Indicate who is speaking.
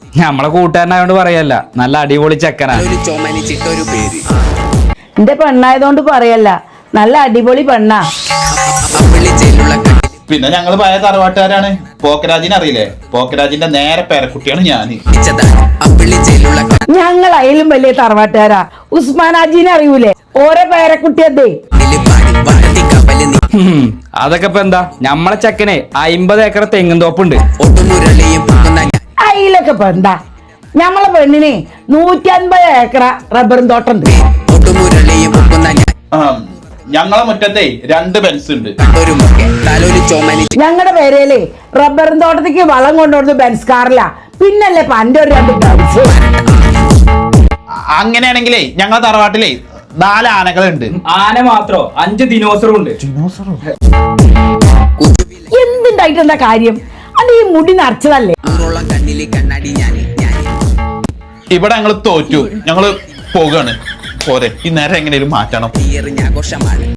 Speaker 1: നമ്മളെ കൂട്ടുകാരനായോണ്ട് പറയല്ല, നല്ല അടിപൊളി ചെക്കനാ.
Speaker 2: എന്റെ പെണ്ണായതുകൊണ്ട് പറയല്ല, നല്ല അടിപൊളി പെണ്ണാ.
Speaker 3: പിന്നെ ഞങ്ങള് പഴയ തറവാട്ടുകാരാണ്. പോക്കരാജിനെ അറിയില്ലേ? പോക്കരാജിന്റെ നേരെ പേരക്കുട്ടിയാണ് ഞാന്.
Speaker 2: ഞങ്ങൾ അയിലും വലിയ തറവാട്ടുകാരാ. ഉസ്മാനാജീനെ അറിയൂലേ? ഓരോ പേരക്കുട്ടിയതേ.
Speaker 1: അതൊക്കെ ഇപ്പൊ എന്താ, ഞമ്മളെ ചെക്കനെ 50 ഏക്കർ തെങ്ങും തോപ്പുണ്ട്.
Speaker 2: അയിലൊക്കെ ഇപ്പൊ എന്താ, ഞമ്മളെ പെണ്ണിന് 150 ഏക്കർ റബ്ബറും തോട്ടുണ്ട്.
Speaker 3: ഞങ്ങളെ മുറ്റത്തെ 2 ബെൻസ് ഉണ്ട്.
Speaker 2: ഞങ്ങളുടെ പേരേലേ റബ്ബറും തോട്ടത്തേക്ക് വളം കൊണ്ടുവന്നത് ബെൻസ് കാറില്ല, പിന്നല്ലേ പണ്ട് ഒരു 2 ബെൻസ്.
Speaker 3: അങ്ങനെയാണെങ്കിലേ ഞങ്ങളെ തറവാട്ടിലെ 4 ആനകളുണ്ട്.
Speaker 1: ആന മാത്രോ 5 ദിനോസറും ഉണ്ട്.
Speaker 2: എന്തുണ്ടായിട്ട് എന്താ കാര്യം? അത് ഈ മുടി നിറച്ചതല്ലേ?
Speaker 3: ഇവിടെ ഞങ്ങള് തോറ്റു, ഞങ്ങള് പോകാണ്. പോരെ, ഈ നേരം എങ്ങനെയും മാറ്റണം.